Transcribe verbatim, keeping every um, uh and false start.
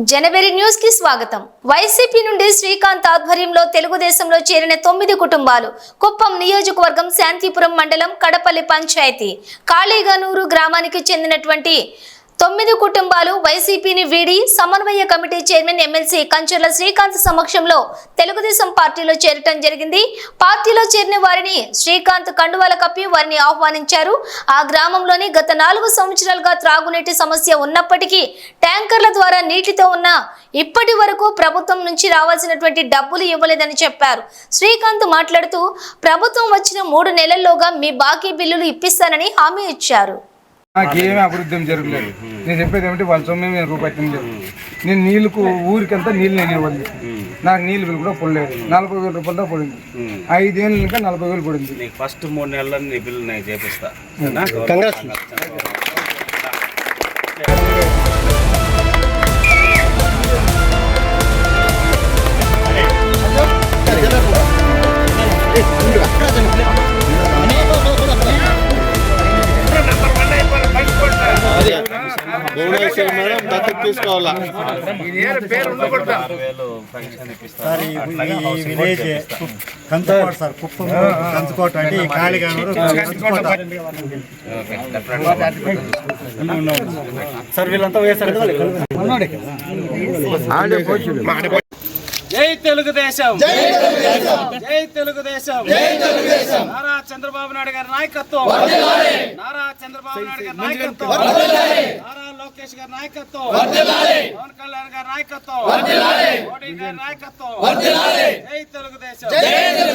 జనవరి news కి స్వాగతం. YCP నుండి శ్రీకాంత్ ఆధ్వర్యంలో తెలుగుదేశంలో చేరిన తొమ్మిది కుటుంబాలు కుప్పం నియోజకవర్గం శాంతిపురం మండలం కడపల్లి పంచాయతీ కాళీగనూరు గ్రామానికి చెందినటువంటి తొమ్మిది కుటుంబాలు వైసీపీని వీడి సమన్వయ committee chairman MLC Kancharla Srikanth సమక్షంలో తెలుగుదేశం పార్టీలో చేరటం జరిగింది. పార్టీలో చేరిన వారిని శ్రీకాంత్ కండువాల కప్పి వారిని ఆహ్వానించారు. ఆ గ్రామంలోని గత నాలుగు సంవత్సరాలుగా త్రాగునీటి సమస్య ఉన్నప్పటికీ ట్యాంకర్ల ద్వారా నీటితో ఉన్న ఇప్పటి వరకు ప్రభుత్వం నుంచి రావాల్సినటువంటి డబ్బులు ఇవ్వలేదని చెప్పారు. శ్రీకాంత్ మాట్లాడుతూ ప్రభుత్వం వచ్చిన మూడు నెలల్లోగా మీ బాకీ బిల్లులు ఇప్పిస్తానని హామీ ఇచ్చారు. నాకేమీ అభివృద్ధి జరగలేదు. నేను చెప్పేది ఏమిటి, వాళ్ళ సొమ్మే మేము రూపాయి తినలేదు. నేను నీళ్ళకు ఊరికంతా నీళ్ళు నేను ఇవ్వాలి. నాకు నీళ్ళు బిల్లు కూడా పడలేదు. నలభై వేల రూపాయలతో పడింది. ఐదేళ్ళు ఇంకా నలభై వేలు పడింది. ఫస్ట్ మూడు నెలల నీ బిల్లు నేను చేపిస్తా. కంచుకోట సార్, కుప్పం కంచుకోట అంటే కాళీగనూరు సార్. వీళ్ళంతా వేసారు. జై తెలుగుదేశం, జై తెలుగుదేశం, నారా చంద్రబాబు నాయుడు గారి నాయకత్వం, నారా చంద్రబాబు నాయుడు గారి నాయకత్వం, నారా లోకేష్ గారి నాయకత్వం, పవన్ కళ్యాణ్ గారి నాయకత్వం, మోడీ గారి నాయకత్వం. జై తెలుగుదేశం.